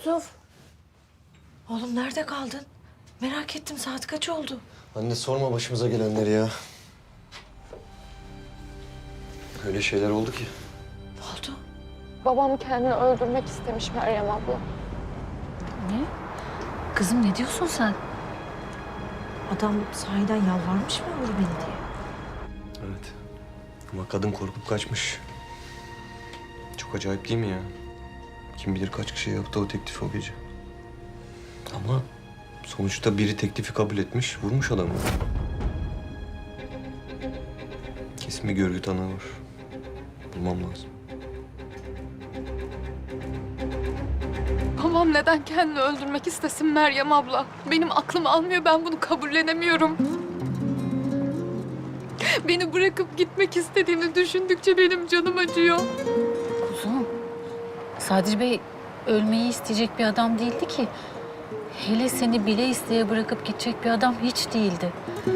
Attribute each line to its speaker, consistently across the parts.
Speaker 1: Yusuf. Oğlum nerede kaldın? Merak ettim, saat kaç oldu?
Speaker 2: Anne sorma başımıza gelenleri ya. Öyle şeyler oldu ki.
Speaker 1: Ne oldu?
Speaker 3: Babam kendini öldürmek istemiş Meryem abla.
Speaker 4: Ne? Kızım ne diyorsun sen?
Speaker 1: Adam sahiden yalvarmış mı vur beni diye?
Speaker 2: Evet. Ama kadın korkup kaçmış. Çok acayip değil mi ya? Kim bilir kaç kişi yaptı o teklifi o gece. Ama sonuçta biri teklifi kabul etmiş, vurmuş adamı. Kesin bir görgü tanığı var. Bulmam lazım.
Speaker 3: Babam neden kendini öldürmek istesin Meryem abla? Benim aklım almıyor, ben bunu kabullenemiyorum. Beni bırakıp gitmek istediğini düşündükçe benim canım acıyor.
Speaker 4: Kuzum, Sadri Bey ölmeyi isteyecek bir adam değildi ki. Hele seni bile isteye bırakıp gidecek bir adam hiç değildi.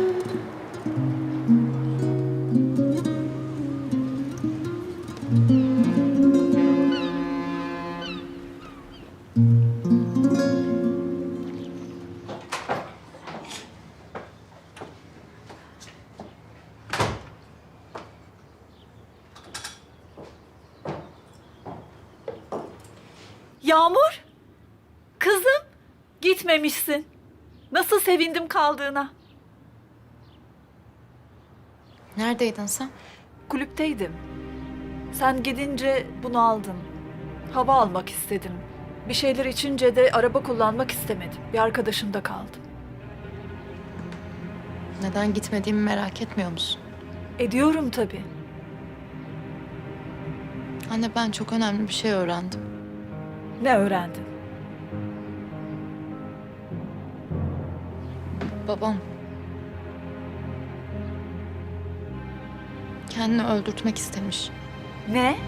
Speaker 5: Yağmur, kızım gitmemişsin. Nasıl sevindim kaldığına.
Speaker 6: Neredeydin sen?
Speaker 5: Kulüpteydim. Sen gidince bunu aldım. Hava almak istedim. Bir şeyler içince de araba kullanmak istemedim. Bir arkadaşımda kaldım.
Speaker 6: Neden gitmediğimi merak etmiyor musun?
Speaker 5: Ediyorum tabii.
Speaker 6: Anne ben çok önemli bir şey öğrendim.
Speaker 5: Ne öğrendin?
Speaker 6: Babam kendini öldürtmek istemiş.
Speaker 5: Ne?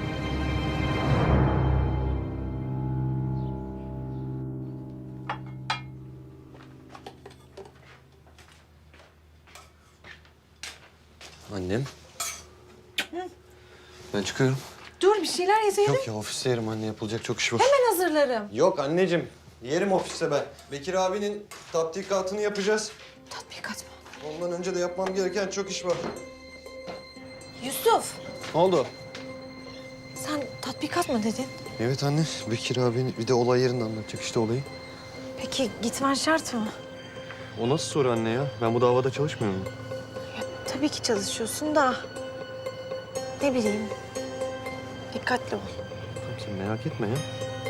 Speaker 2: Annem. Ben çıkıyorum.
Speaker 1: Dur, bir şeyler yeseydin.
Speaker 2: Yok ya ofiste yerim anne, yapılacak çok iş var.
Speaker 1: Ben hazırlarım.
Speaker 2: Yok anneciğim, yerim ofiste ben. Bekir abinin tatbikatını yapacağız.
Speaker 1: Tatbikat mı?
Speaker 2: Ondan önce de yapmam gereken çok iş var.
Speaker 1: Yusuf,
Speaker 2: Ne oldu?
Speaker 1: sen tatbikat mı dedin?
Speaker 2: Evet anne, Bekir abinin bir de olay yerinde anlatacak işte olayı.
Speaker 1: Peki gitmen şart mı?
Speaker 2: O nasıl soru anne ya? Ben bu davada çalışmıyorum.
Speaker 1: Tabii ki çalışıyorsun da... Ne bileyim, dikkatli ol.
Speaker 2: Tamam sen merak etme ya.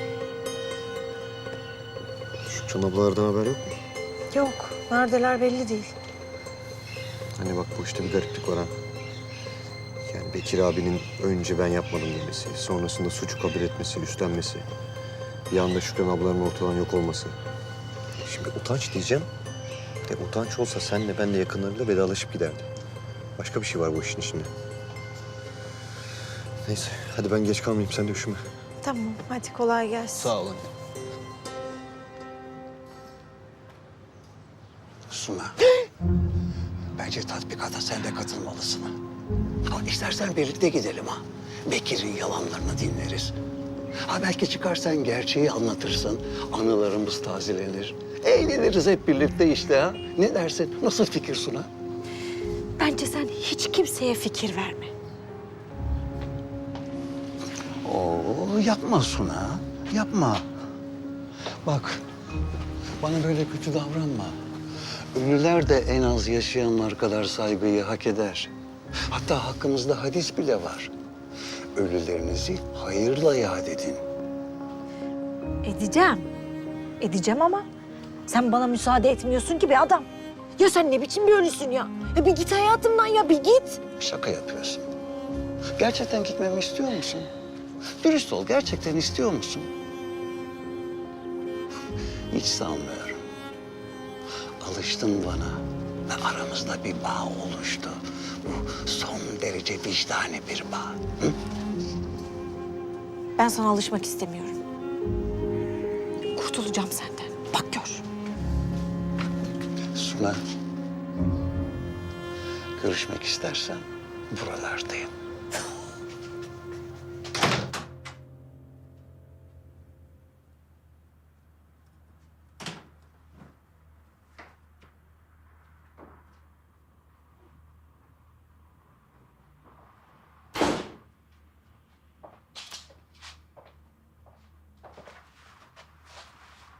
Speaker 2: Şu Çanablardan haber yok mu?
Speaker 1: Yok, neredeler belli değil.
Speaker 2: Hani bak bu işte bir gariplik var ha. Yani Bekir abinin önce ben yapmadım demesi, sonrasında suçu kabul etmesi, üstlenmesi. Bir anda Şükran ablanın ortadan yok olması. Şimdi utanç diyeceğim. De utanç olsa senle ben de yakınlarıyla vedalaşıp giderdim. Başka bir şey var bu işin içinde. Neyse hadi ben geç kalmayayım, sen de üşüme.
Speaker 1: Tamam, hadi kolay gelsin.
Speaker 2: Sağ ol anne.
Speaker 7: Suna. Bence tatbikata sen de katılmalısın. Ha, istersen birlikte gidelim ha. Bekir'in yalanlarını dinleriz. Ha belki çıkarsan gerçeği anlatırsın. Anılarımız tazelenir. Eğleniriz hep birlikte işte ha. Ne dersin? Nasıl fikir Suna?
Speaker 1: Bence sen hiç kimseye fikir verme.
Speaker 7: Oo yapma Suna. Yapma. Bak bana böyle kötü davranma. Ünlüler de en az yaşayanlar kadar saygıyı hak eder. Hatta hakkımızda hadis bile var. Ölülerinizi hayırla yad edin.
Speaker 1: Edeceğim. Edeceğim ama sen bana müsaade etmiyorsun ki be adam. Ya sen ne biçim bir ölüsün ya? Ya bir git hayatımdan ya, bir git.
Speaker 7: Şaka yapıyorsun. Gerçekten gitmemi istiyor musun? Dürüst ol, gerçekten istiyor musun? Hiç sanmıyorum. Alıştın bana ve aramızda bir bağ oluştu. Bu son derece vicdani bir bağ. Hı?
Speaker 1: Ben sana alışmak istemiyorum. Kurtulacağım senden. Bak gör.
Speaker 7: Suna, görüşmek istersen buralardayım.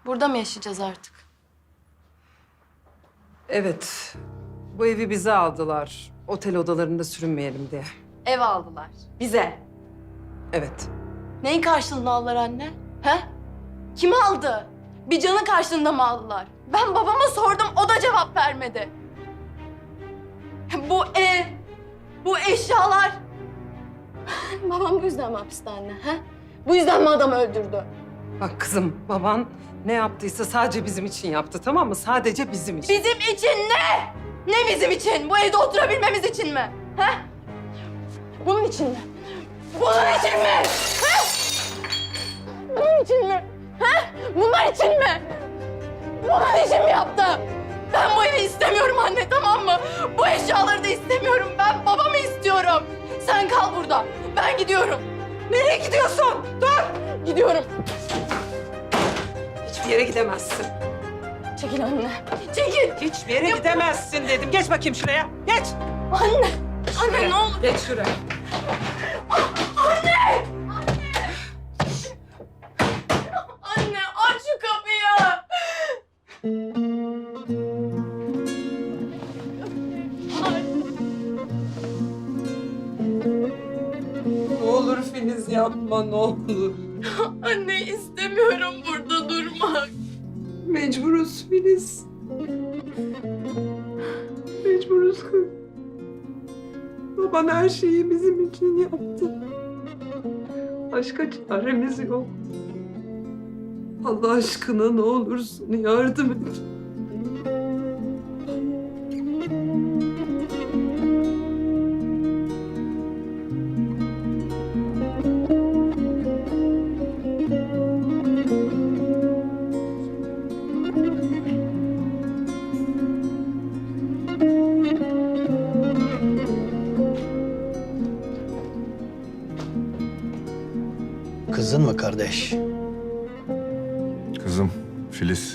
Speaker 6: Burada mı yaşayacağız artık?
Speaker 8: Evet. Bu evi bize aldılar. Otel odalarında sürünmeyelim diye.
Speaker 6: Ev aldılar. Bize.
Speaker 8: Evet.
Speaker 6: Neyin karşılığında aldılar anne? He? Kim aldı? Bir canın karşılığında mı aldılar? Ben babama sordum, o da cevap vermedi. Bu ev, bu eşyalar. Babam bu yüzden mi hapiste anne? He? Bu yüzden mi adamı öldürdü?
Speaker 8: Bak kızım, baban ne yaptıysa sadece bizim için yaptı, tamam mı? Sadece bizim için.
Speaker 6: Bizim için ne? Ne bizim için? Bu evde oturabilmemiz için mi? He? Bunun için mi? Bunun için mi? He? Bunun için mi? He? Bunlar için mi? Bunun için mi yaptı? Ben bu evi istemiyorum anne, tamam mı? Bu eşyaları da istemiyorum. Ben babamı istiyorum. Sen kal burada. Ben gidiyorum.
Speaker 8: Nereye gidiyorsun? Dur!
Speaker 6: Gidiyorum.
Speaker 8: Hiçbir yere gidemezsin.
Speaker 6: Çekil anne. Çekil.
Speaker 8: Hiçbir yere gidemezsin dedim. Geç bakayım şuraya. Geç.
Speaker 6: Anne. Anne ne olur.
Speaker 8: Geç şuraya.
Speaker 6: Anne aç şu kapıyı.
Speaker 8: Ne olur Filiz yapma, ne olur.
Speaker 6: Anne istemiyorum burada durmak.
Speaker 8: Mecburuz Filiz. Mecburuz kız. Baban her şeyi bizim için yaptı. Başka çaremiz yok. Allah aşkına ne olursun yardım et.
Speaker 7: Kızın mı kardeş?
Speaker 9: Kızım Filiz.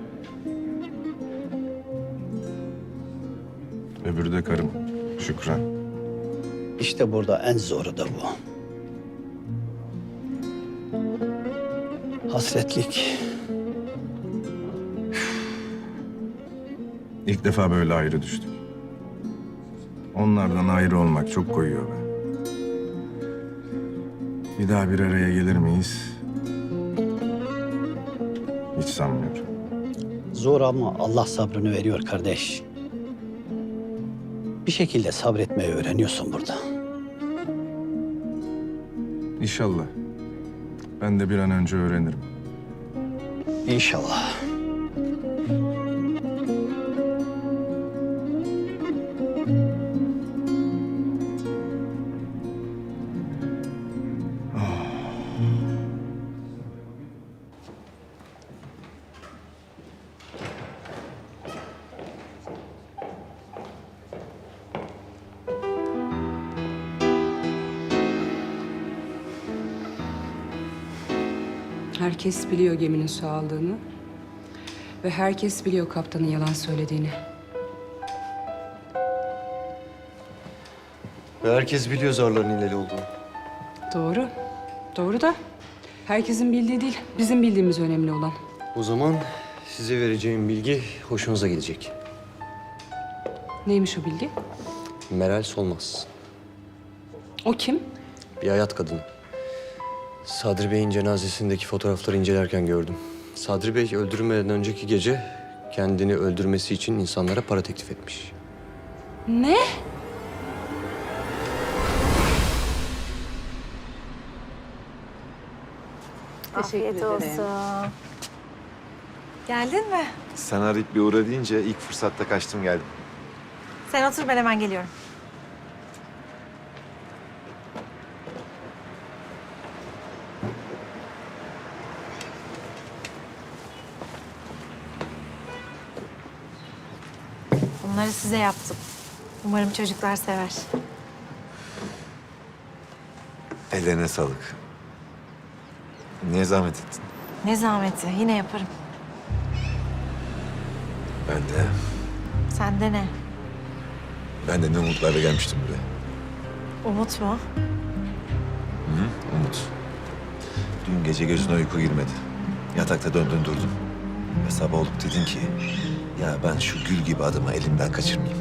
Speaker 9: Öbürü de karım Şükran.
Speaker 7: İşte burada en zoru da bu. Hasretlik.
Speaker 9: İlk defa böyle ayrı düştük. Onlardan ayrı olmak çok koyuyor be. Bir daha bir araya gelir miyiz? Hiç sanmıyorum.
Speaker 7: Zor ama Allah sabrını veriyor kardeş. Bir şekilde sabretmeyi öğreniyorsun burada.
Speaker 9: İnşallah. Ben de bir an önce öğrenirim.
Speaker 7: İnşallah.
Speaker 10: Herkes biliyor geminin su aldığını. Ve herkes biliyor kaptanın yalan söylediğini.
Speaker 2: Ve herkes biliyor zarların hileli olduğunu.
Speaker 10: Doğru. Doğru da herkesin bildiği değil, bizim bildiğimiz önemli olan.
Speaker 2: O zaman size vereceğim bilgi hoşunuza gidecek.
Speaker 10: Neymiş o bilgi?
Speaker 2: Meral Solmaz.
Speaker 10: O kim?
Speaker 2: Bir hayat kadını. Sadri Bey'in cenazesindeki fotoğrafları incelerken gördüm. Sadri Bey öldürülmeden önceki gece kendini öldürmesi için insanlara para teklif etmiş.
Speaker 10: Ne?
Speaker 1: Afiyet olsun. Geldin mi?
Speaker 11: Sen arayıp bir uğra deyince ilk fırsatta kaçtım geldim.
Speaker 1: Sen otur, ben hemen geliyorum. Bunları size yaptım. Umarım çocuklar sever.
Speaker 11: Ellerine sağlık. Niye zahmet ettin?
Speaker 1: Ne zahmeti, yine yaparım. Sende ne?
Speaker 11: Ben de ne umutlarla gelmiştim buraya.
Speaker 1: Umut mu?
Speaker 11: Umut. Dün gece gözüne uyku girmedi. Yatakta döndün durdun. Ve sabah olup dedin ki... ...ya ben şu gül gibi adamı elimden kaçırmayayım.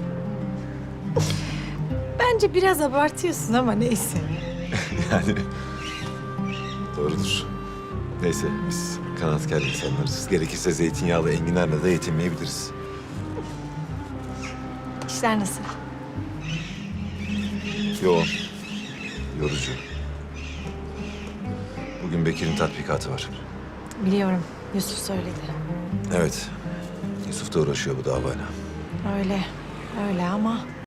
Speaker 1: Bence biraz abartıyorsun ama neyse.
Speaker 11: Yani... Doğrudur. Neyse biz kanaatkar insanlarız. Gerekirse zeytinyağlı enginarla da yetinmeyebiliriz.
Speaker 1: İşler nasıl?
Speaker 11: Yoğun. Yorucu. Bugün Bekir'in tatbikatı var.
Speaker 1: Biliyorum. Yusuf söyledi.
Speaker 11: Evet. Yusuf da uğraşıyor bu davayla.
Speaker 1: Öyle. Öyle ama